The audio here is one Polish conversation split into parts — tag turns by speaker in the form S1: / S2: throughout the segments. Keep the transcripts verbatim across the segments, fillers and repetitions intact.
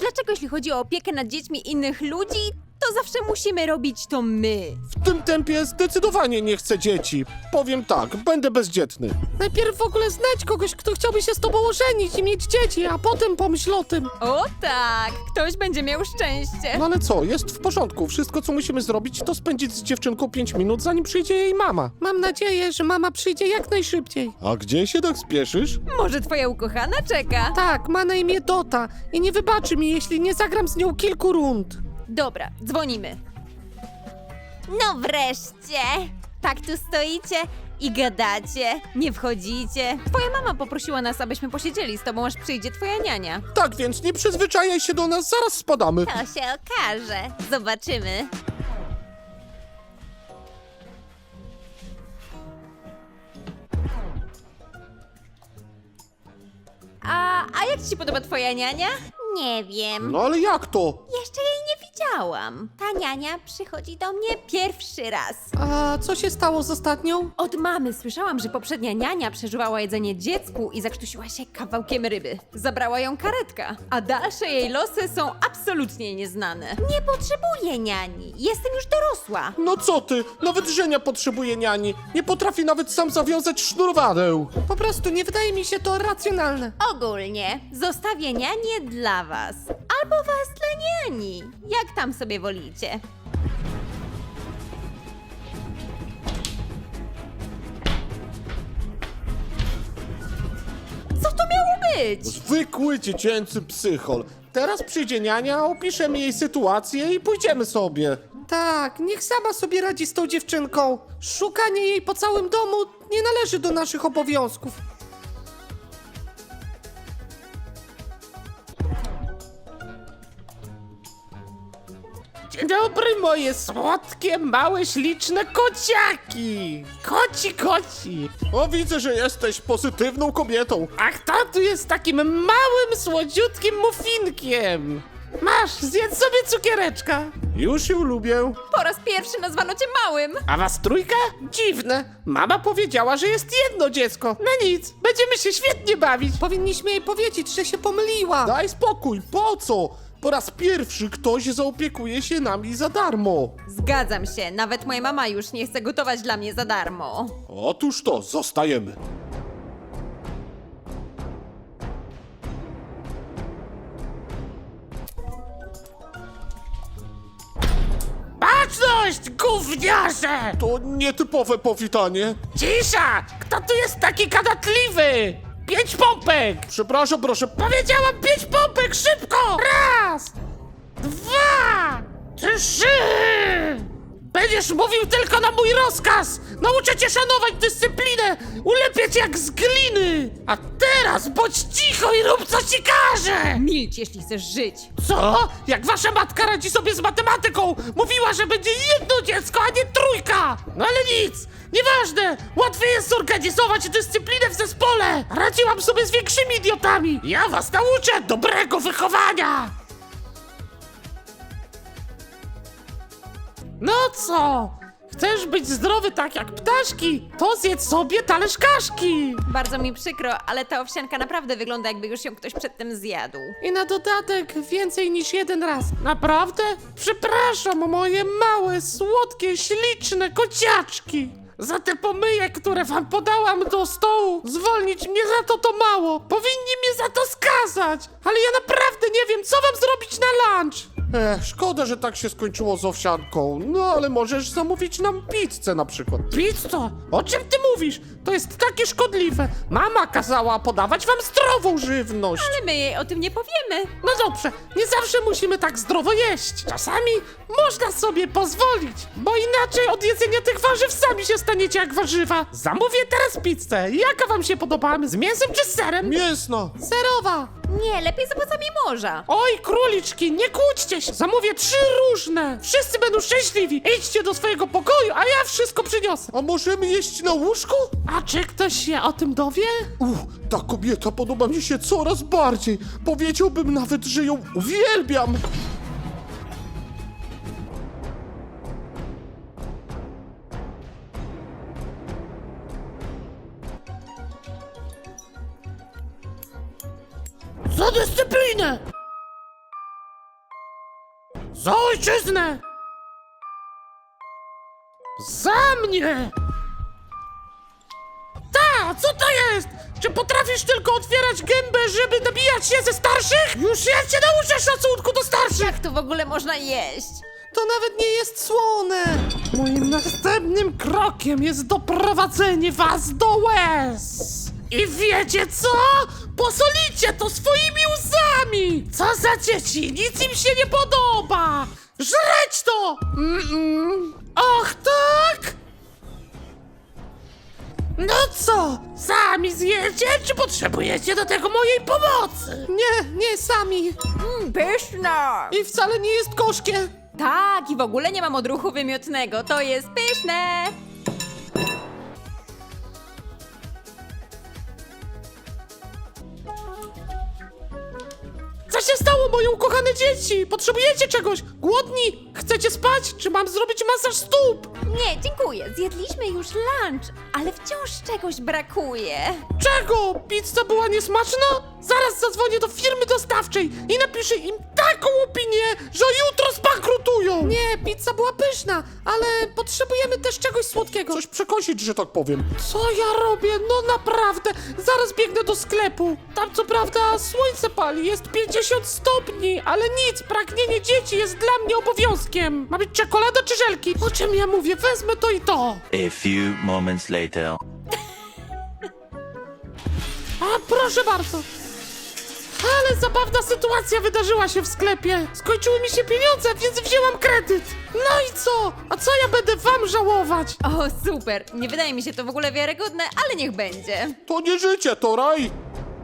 S1: Dlaczego jeśli chodzi o opiekę nad dziećmi innych ludzi, to zawsze musimy robić to my?
S2: W tym tempie zdecydowanie nie chcę dzieci. Powiem tak, będę bezdzietny.
S3: Najpierw w ogóle znajdź kogoś, kto chciałby się z tobą ożenić i mieć dzieci, a potem pomyśl o tym.
S1: O tak, ktoś będzie miał szczęście.
S2: No ale co, jest w porządku. Wszystko, co musimy zrobić, to spędzić z dziewczynką pięć minut, zanim przyjdzie jej mama.
S3: Mam nadzieję, że mama przyjdzie jak najszybciej.
S2: A gdzie się tak spieszysz?
S1: Może twoja ukochana czeka?
S3: Tak, ma na imię Dota i nie wybaczy mi, jeśli nie zagram z nią kilku rund.
S1: Dobra, dzwonimy. No wreszcie! Tak tu stoicie i gadacie, nie wchodzicie. Twoja mama poprosiła nas, abyśmy posiedzieli z tobą, aż przyjdzie twoja niania.
S2: Tak więc nie przyzwyczajaj się do nas, zaraz spadamy.
S1: To się okaże. Zobaczymy. A, a jak ci się podoba twoja niania? Nie wiem.
S2: No ale jak to?
S1: Jeszcze jej nie widziałam. Ta niania przychodzi do mnie pierwszy raz.
S3: A co się stało z ostatnią?
S1: Od mamy słyszałam, że poprzednia niania przeżywała jedzenie dziecku i zakrztusiła się kawałkiem ryby. Zabrała ją karetka, a dalsze jej losy są absolutnie nieznane. Nie potrzebuję niani. Jestem już dorosła.
S2: No co ty? Nawet Żenia potrzebuje niani. Nie potrafi nawet sam zawiązać sznurowadeł.
S3: Po prostu nie wydaje mi się to racjonalne.
S1: Ogólnie zostawię nianię dla was. Albo was dla niani. Jak tam sobie wolicie. Co to miało być?
S2: Zwykły dziecięcy psychol. Teraz przyjdzie niania, opiszemy jej sytuację i pójdziemy sobie.
S3: Tak, niech sama sobie radzi z tą dziewczynką. Szukanie jej po całym domu nie należy do naszych obowiązków.
S4: Dzień dobry, moje słodkie, małe, śliczne kociaki! Koci, koci!
S2: O, widzę, że jesteś pozytywną kobietą.
S4: A kto tu jest takim małym, słodziutkim muffinkiem? Masz, zjedz sobie cukiereczka.
S2: Już ją lubię.
S1: Po raz pierwszy nazwano cię małym.
S4: A was trójka? Dziwne. Mama powiedziała, że jest jedno dziecko. No nic, będziemy się świetnie bawić.
S3: Powinniśmy jej powiedzieć, że się pomyliła.
S2: Daj spokój, po co? Po raz pierwszy ktoś zaopiekuje się nami za darmo.
S1: Zgadzam się, nawet moja mama już nie chce gotować dla mnie za darmo.
S2: Otóż to, zostajemy.
S4: Baczność, gówniarze!
S2: To nietypowe powitanie.
S4: Cisza! Kto tu jest taki gadatliwy? Pięć pompek!
S2: Przepraszam, proszę.
S4: Powiedziałam pięć pompek, szybko! Raz! Dwa! Trzy! Będziesz mówił tylko na mój rozkaz! Nauczę cię szanować dyscyplinę! Ulepię cię jak z gliny! A teraz bądź cicho i rób co ci każę!
S1: Milcz, jeśli chcesz żyć.
S4: Co? Jak wasza matka radzi sobie z matematyką? Mówiła, że będzie jedno dziecko, a nie trójka! No ale nic! Nieważne! Łatwiej jest zorganizować dyscyplinę w zespole! Radziłam sobie z większymi idiotami! Ja was nauczę dobrego wychowania! No co? Chcesz być zdrowy tak jak ptaszki? To zjedz sobie talerz kaszki!
S1: Bardzo mi przykro, ale ta owsianka naprawdę wygląda, jakby już ją ktoś przedtem zjadł.
S3: I na dodatek więcej niż jeden raz.
S4: Naprawdę? Przepraszam, moje małe, słodkie, śliczne kociaczki! Za te pomyje, które wam podałam do stołu, zwolnić mnie za to to mało! Powinni mnie za to skazać! Ale ja naprawdę nie wiem, co wam zrobić na lunch!
S2: Ech, szkoda, że tak się skończyło z owsianką. No ale możesz zamówić nam pizzę na przykład.
S4: Pizzo? O czym ty mówisz? To jest takie szkodliwe! Mama kazała podawać wam zdrową żywność!
S1: Ale my jej o tym nie powiemy.
S4: No dobrze, nie zawsze musimy tak zdrowo jeść. Czasami można sobie pozwolić, bo inaczej od jedzenia tych warzyw sami się staniecie jak warzywa. Zamówię teraz pizzę. Jaka wam się podoba? Z mięsem czy z serem?
S2: Mięsna.
S3: Zerowa.
S1: Nie, lepiej z owocami morza.
S4: Oj, króliczki, nie kłóćcie się. Zamówię trzy różne. Wszyscy będą szczęśliwi. Idźcie do swojego pokoju, a ja wszystko przyniosę.
S2: A możemy jeść na łóżku?
S4: A czy ktoś się o tym dowie?
S2: Uff, ta kobieta podoba mi się coraz bardziej. Powiedziałbym nawet, że ją uwielbiam.
S4: Za dyscyplinę! Za ojczyznę! Za mnie! Ta, co to jest? Czy potrafisz tylko otwierać gębę, żeby nabijać się ze starszych? Już ja cię nauczę szacunku do starszych!
S1: Jak to w ogóle można jeść?
S3: To nawet nie jest słone!
S4: Moim następnym krokiem jest doprowadzenie was do łez! I wiecie co? Posolicie to swoimi łzami! Co za dzieci, nic im się nie podoba! Żreć to! Mm-mm. Och tak? No co, sami zjecie, czy potrzebujecie do tego mojej pomocy?
S3: Nie, nie sami!
S1: Mmm, pyszna!
S3: I wcale nie jest gorzkie!
S1: Tak, i w ogóle nie mam odruchu wymiotnego. To jest pyszne!
S4: Co się stało, moje ukochane dzieci? Potrzebujecie czegoś? Głodni? Chcecie spać? Czy mam zrobić masaż stóp?
S1: Nie, dziękuję. Zjedliśmy już lunch, ale wciąż czegoś brakuje.
S4: Czego? Pizza była niesmaczna? Zaraz zadzwonię do firmy dostawczej i napiszę im taką opinię, że jutro zbankrutują!
S3: Nie, pizza była pyszna, ale potrzebujemy też czegoś słodkiego.
S2: Coś przekąsić, że tak powiem.
S4: Co ja robię? No naprawdę! Zaraz biegnę do sklepu. Tam co prawda słońce pali, jest pięćdziesiąt stopni, ale nic, pragnienie dzieci jest dla mnie obowiązkiem. Ma być czekolada czy żelki? O czym ja mówię? Wezmę to i to.
S5: A few moments later.
S4: A proszę bardzo. Ale zabawna sytuacja wydarzyła się w sklepie. Skończyły mi się pieniądze, więc wzięłam kredyt. No i co? A co ja będę wam żałować?
S1: O, super. Nie wydaje mi się to w ogóle wiarygodne, ale niech będzie.
S2: To nie życie, to raj.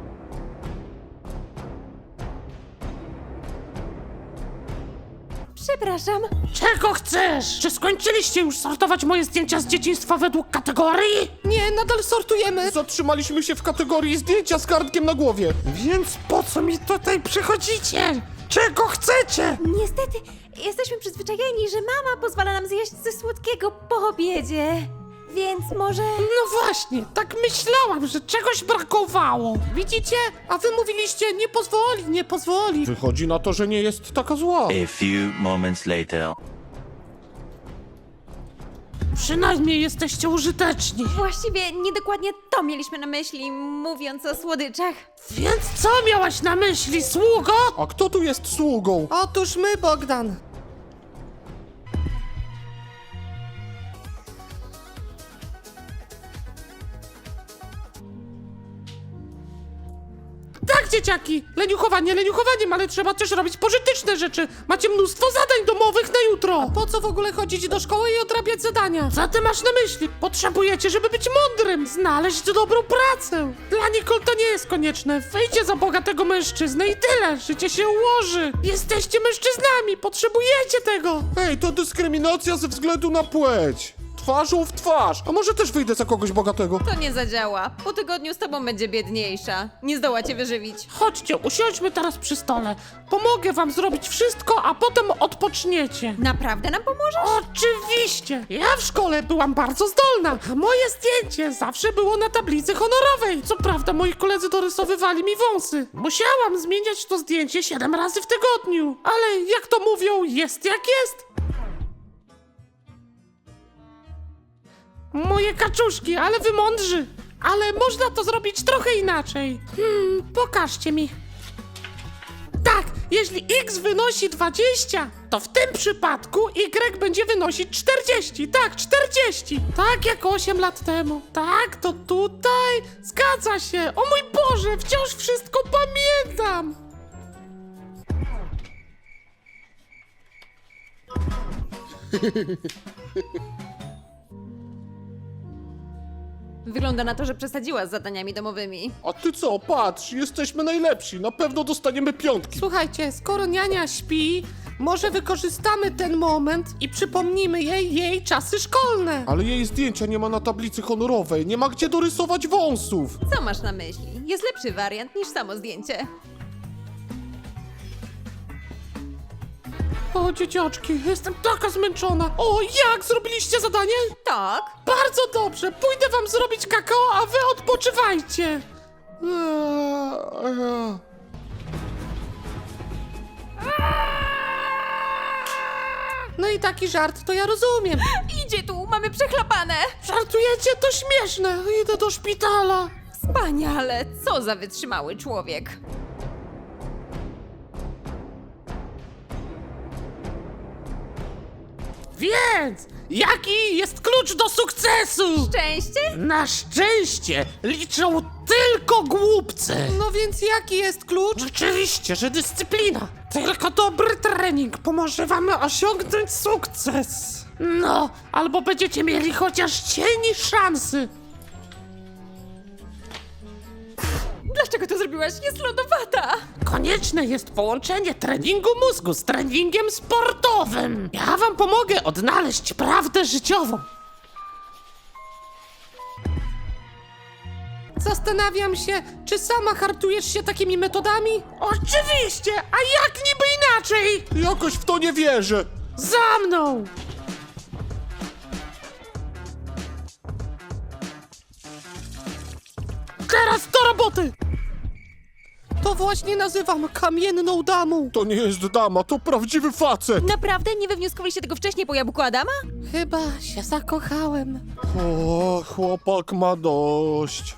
S1: Przepraszam.
S4: Czego chcesz? Czy skończyliście już sortować moje zdjęcia z dzieciństwa według kategorii?
S3: Nie, nadal sortujemy.
S2: Zatrzymaliśmy się w kategorii zdjęcia z kartkiem na głowie.
S4: Więc po co mi tutaj przychodzicie? Czego chcecie?
S1: Niestety, jesteśmy przyzwyczajeni, że mama pozwala nam zjeść ze słodkiego po obiedzie. Więc może...
S4: No właśnie, tak myślałam, że czegoś brakowało.
S3: Widzicie? A wy mówiliście, nie pozwoli, nie pozwoli.
S2: Wychodzi na to, że nie jest taka zła.
S5: A few moments later.
S4: Przynajmniej jesteście użyteczni.
S1: Właściwie niedokładnie to mieliśmy na myśli, mówiąc o słodyczach.
S4: Więc co miałaś na myśli, sługo?
S2: A kto tu jest sługą?
S3: Otóż my, Bogdan.
S4: Tak, dzieciaki, leniuchowanie leniuchowaniem, ale trzeba też robić pożyteczne rzeczy. Macie mnóstwo zadań domowych na jutro.
S3: Po co w ogóle chodzić do szkoły i odrabiać zadania?
S4: Co ty masz na myśli? Potrzebujecie, żeby być mądrym, znaleźć dobrą pracę. Dla Nicole to nie jest konieczne. Wyjdzie za bogatego mężczyznę i tyle. Życie się ułoży. Jesteście mężczyznami, potrzebujecie tego.
S2: Ej, to dyskryminacja ze względu na płeć. Twarzą w twarz. A może też wyjdę za kogoś bogatego?
S1: To nie zadziała. Po tygodniu z tobą będzie biedniejsza. Nie zdoła cię wyżywić.
S4: Chodźcie, usiądźmy teraz przy stole. Pomogę wam zrobić wszystko, a potem odpoczniecie.
S1: Naprawdę nam pomożesz?
S4: Oczywiście! Ja w szkole byłam bardzo zdolna, a moje zdjęcie zawsze było na tablicy honorowej. Co prawda moi koledzy dorysowywali mi wąsy. Musiałam zmieniać to zdjęcie siedem razy w tygodniu. Ale jak to mówią, jest jak jest. Moje kaczuszki, ale wy mądrzy. Ale można to zrobić trochę inaczej. Hmm, pokażcie mi. Tak, jeśli x wynosi dwadzieścia, to w tym przypadku y będzie wynosić czterdzieści. Tak, czterdzieści. Tak jak osiem lat temu. Tak, to tutaj. Zgadza się. O mój Boże, wciąż wszystko pamiętam.
S1: Wygląda na to, że przesadziła z zadaniami domowymi.
S2: A ty co? Patrz, jesteśmy najlepsi. Na pewno dostaniemy piątki.
S3: Słuchajcie, skoro niania śpi, może wykorzystamy ten moment i przypomnimy jej jej czasy szkolne.
S2: Ale jej zdjęcia nie ma na tablicy honorowej. Nie ma gdzie dorysować wąsów.
S1: Co masz na myśli? Jest lepszy wariant niż samo zdjęcie.
S4: O, dzieciaczki, jestem taka zmęczona. O, jak? Zrobiliście zadanie?
S1: Tak.
S4: Bardzo dobrze, pójdę wam zrobić kakao, a wy odpoczywajcie.
S2: Eee, eee.
S3: taki żart, to ja rozumiem.
S1: Idzie tu, mamy przechlapane!
S4: Żartujecie? To śmieszne. Idę do szpitala.
S1: Wspaniale, co za wytrzymały człowiek.
S4: Więc, jaki jest klucz do sukcesu?
S1: Szczęście?
S4: Na szczęście liczą tylko głupcy.
S3: No więc jaki jest klucz?
S4: Oczywiście, że dyscyplina. Tylko dobry trening pomoże wam osiągnąć sukces. No, albo będziecie mieli chociaż cień szansy.
S1: Dlaczego to zrobiłaś? Jest lodowata!
S4: Konieczne jest połączenie treningu mózgu z treningiem sportowym. Ja wam pomogę odnaleźć prawdę życiową.
S3: Zastanawiam się, czy sama hartujesz się takimi metodami?
S4: Oczywiście, a jak niby inaczej?
S2: Jakoś w to nie wierzę.
S4: Za mną! Teraz do roboty!
S3: To właśnie nazywam kamienną damą.
S2: To nie jest dama, to prawdziwy facet.
S1: Naprawdę? Nie wywnioskowaliście tego wcześniej po jabłku Adama?
S3: Chyba się zakochałem.
S2: O, chłopak ma dość.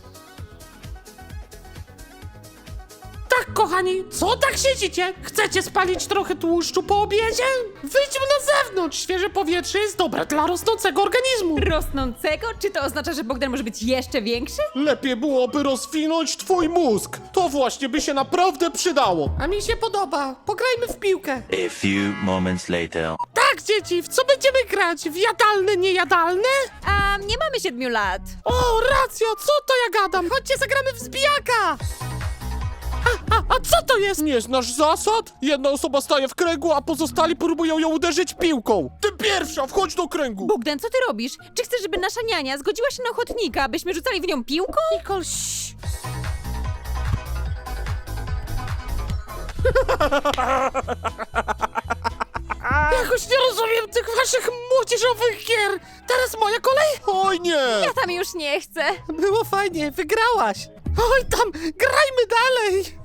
S4: Tak, kochani, co tak siedzicie? Chcecie spalić trochę tłuszczu po obiedzie? Wyjdźmy na zewnątrz, świeże powietrze jest dobre dla rosnącego organizmu.
S1: Rosnącego? Czy to oznacza, że Bogdan może być jeszcze większy?
S2: Lepiej byłoby rozwinąć twój mózg. To właśnie by się naprawdę przydało.
S3: A mi się podoba. Pograjmy w piłkę.
S5: A few moments later.
S4: Tak, dzieci, w co będziemy grać? W jadalne, niejadalne?
S1: A nie mamy siedmiu lat.
S4: O, racjo, co to ja gadam?
S3: Chodźcie, zagramy w zbijaka.
S4: A, a co to jest?
S2: Nie znasz zasad? Jedna osoba staje w kręgu, a pozostali próbują ją uderzyć piłką. Ty pierwsza, wchodź do kręgu.
S1: Bogdan, co ty robisz? Czy chcesz, żeby nasza niania zgodziła się na ochotnika, abyśmy rzucali w nią piłką?
S3: Nicole, ściii.
S4: Jakoś nie rozumiem tych waszych młodzieżowych gier. Teraz moja kolej?
S2: Oj nie.
S1: Ja tam już nie chcę.
S3: Było fajnie, wygrałaś.
S4: Oj tam, grajmy dalej.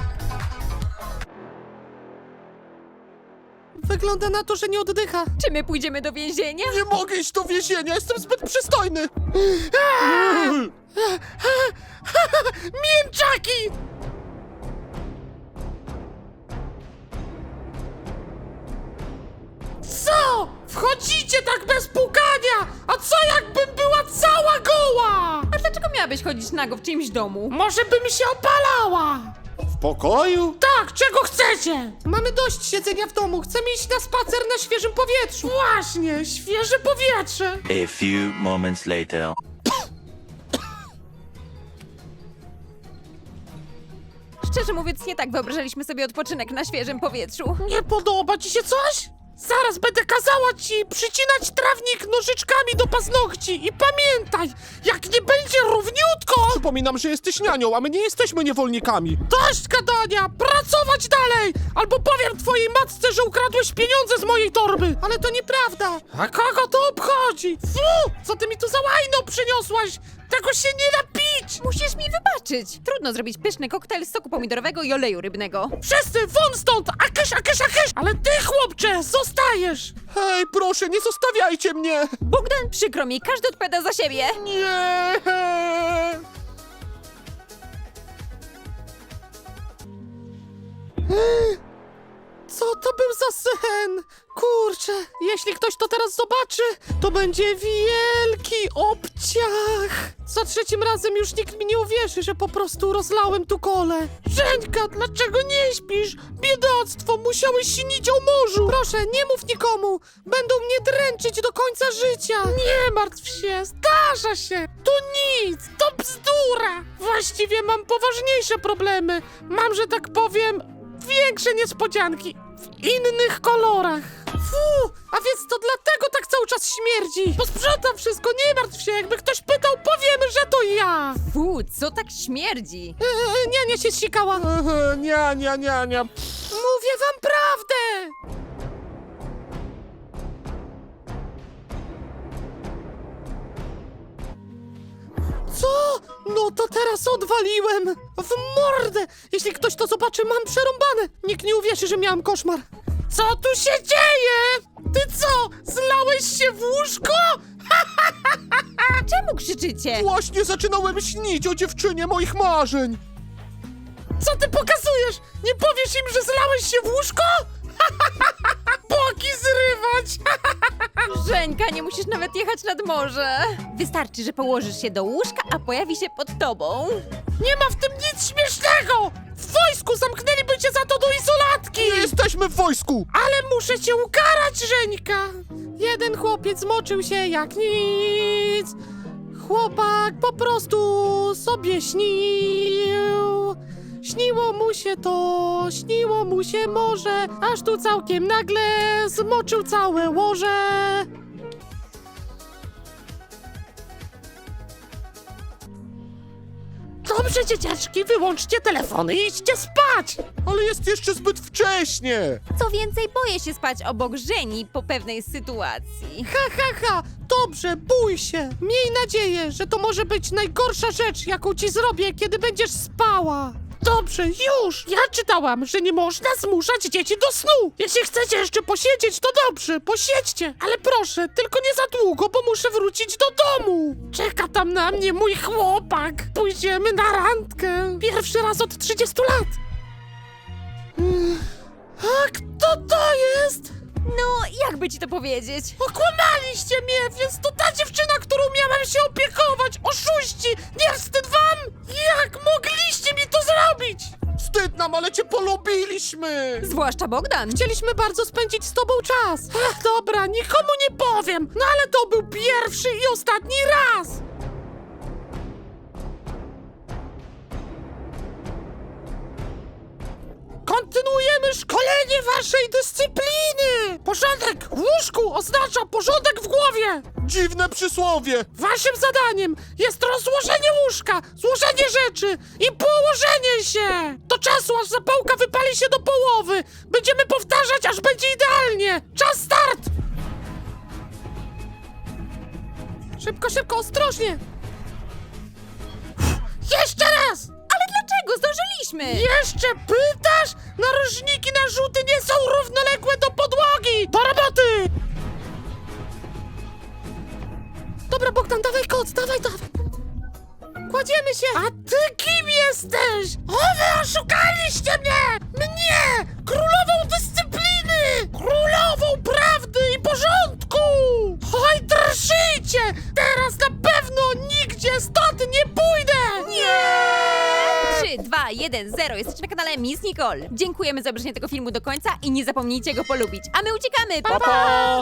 S3: Wygląda na to, że nie oddycha.
S1: Czy my pójdziemy do więzienia?
S2: Nie mogę iść do więzienia, jestem zbyt przystojny.
S4: Mięczaki! Co? Wchodzicie tak bez pukania? A co jakbym była cała goła?
S1: A dlaczego miałabyś chodzić nago w czyimś domu?
S4: Może bym się opalała?
S2: W pokoju?
S4: Tak, czego chcecie?
S3: Mamy dość siedzenia w domu. Chcemy iść na spacer na świeżym powietrzu.
S4: Właśnie, świeże powietrze.
S5: A few moments later.
S1: Szczerze mówiąc, nie tak wyobrażaliśmy sobie odpoczynek na świeżym powietrzu.
S4: Nie podoba ci się coś? Zaraz będę kazała ci przycinać trawnik nożyczkami do paznokci i pamiętaj, jak nie będzie równiutko,
S2: Przypominam, że jesteś nianią, a my nie jesteśmy niewolnikami.
S4: dość gadania, pracować dalej, albo powiem twojej matce, że ukradłeś pieniądze z mojej torby.
S3: Ale to nieprawda.
S4: A kogo to obchodzi? Fu, co ty mi tu za łajno przyniosłaś? Tego się nie da pić!
S1: Musisz mi wybaczyć. Trudno zrobić pyszny koktajl z soku pomidorowego i oleju rybnego.
S4: Wszyscy won stąd! Akysz, akysz, akysz! Ale ty, chłopcze, zostajesz!
S2: Hej, proszę, nie zostawiajcie mnie.
S1: Bogdan, przykro mi, każdy odpowiada za siebie.
S2: Nie.
S3: Co to był za sen? Kurczę, jeśli ktoś to teraz zobaczy, to będzie wielki obciach. Za trzecim razem już nikt mi nie uwierzy, że po prostu rozlałem tu kolę.
S4: Żeńka, dlaczego nie śpisz? Biedactwo, musiałeś śnić o morzu!
S3: Proszę, nie mów nikomu. Będą mnie dręczyć do końca życia.
S4: Nie martw się, zdarza się! To nic, to bzdura! Właściwie mam poważniejsze problemy. Mam, że tak powiem, większe niespodzianki w innych kolorach.
S3: Fu, a więc to dlatego tak cały czas śmierdzi.
S4: Posprzątam wszystko, nie martw się, jakby ktoś pytał, powiemy, że to ja!
S1: Fu, co tak śmierdzi?
S3: Eee, niania się zsikała.
S2: Ehe, Nia, nia, nia, nia.
S3: Mówię wam prawdę. Co? No to teraz odwaliłem! W mordę! Jeśli ktoś to zobaczy, mam przerąbane! Nikt nie uwierzy, że miałem koszmar.
S4: Co tu się dzieje? Ty co, zlałeś się w łóżko?
S1: Czemu krzyczycie?
S2: Właśnie zaczynałem śnić o dziewczynie moich marzeń.
S4: Co ty pokazujesz? Nie powiesz im, że zlałeś się w łóżko? Boki zrywać!
S1: Żeńka, nie musisz nawet jechać nad morze. Wystarczy, że położysz się do łóżka, a pojawi się pod tobą.
S4: Nie ma w tym nic śmiesznego! W wojsku zamknęliby cię za to do izolatki!
S2: Nie jesteśmy w wojsku.
S4: Ale muszę cię ukarać, Żeńka!
S3: Jeden chłopiec moczył się jak nic. Chłopak po prostu sobie śnił. Śniło mu się to, śniło mu się morze, aż tu całkiem nagle zmoczył całe łoże.
S4: Dobrze, dzieciaczki, wyłączcie telefony i idźcie spać!
S2: Ale jest jeszcze zbyt wcześnie.
S1: Co więcej, boję się spać obok Żeni po pewnej sytuacji.
S3: Ha, ha, ha, dobrze, bój się. Miej nadzieję, że to może być najgorsza rzecz, jaką ci zrobię, kiedy będziesz spała.
S4: Dobrze, już! Ja czytałam, że nie można zmuszać dzieci do snu! Jeśli chcecie jeszcze posiedzieć, to dobrze, posiedźcie! Ale proszę, tylko nie za długo, bo muszę wrócić do domu! Czeka tam na mnie mój chłopak! Pójdziemy na randkę! Pierwszy raz od trzydziestu lat! A kto to jest?
S1: No, jakby ci to powiedzieć?
S4: Okłamaliście mnie, więc to ta dziewczyna, którą miałem się opiekować! Oszuści! Nie wstyd wam? Jak mogliście mi to zrobić?
S2: Wstyd nam, ale cię polubiliśmy.
S1: Zwłaszcza Bogdan.
S3: Chcieliśmy bardzo spędzić z tobą czas.
S4: Ach, dobra, nikomu nie powiem, no ale to był pierwszy i ostatni raz! Kontynuujemy szkolenie waszej dyscypliny! Porządek w łóżku oznacza porządek w głowie!
S2: Dziwne przysłowie.
S4: Waszym zadaniem jest rozłożenie łóżka, złożenie rzeczy i położenie się! Do czasu, aż zapałka wypali się do połowy! Będziemy powtarzać, aż będzie idealnie! Czas start!
S3: Szybko, szybko, ostrożnie.
S4: Jeszcze raz!
S1: Ale dlaczego? Zdążyliśmy!
S4: Jeszcze pytasz? Narożniki na rzuty nie są równoległe do podłogi! Do roboty!
S3: Dobra, Bogdan, dawaj koc, dawaj, dawaj. Kładziemy się.
S4: A ty kim jesteś? O, wy oszukaliście mnie! Mnie! Królową dyscypliny! Królową prawdy i porządku! Oj, drżyjcie! Teraz na pewno nigdzie stąd nie pójdę! Nie!
S1: trzy, dwa, jeden, zero. Jesteście na kanale Miss Nicole. Dziękujemy za obejrzenie tego filmu do końca i nie zapomnijcie go polubić. A my uciekamy! Pa, pa!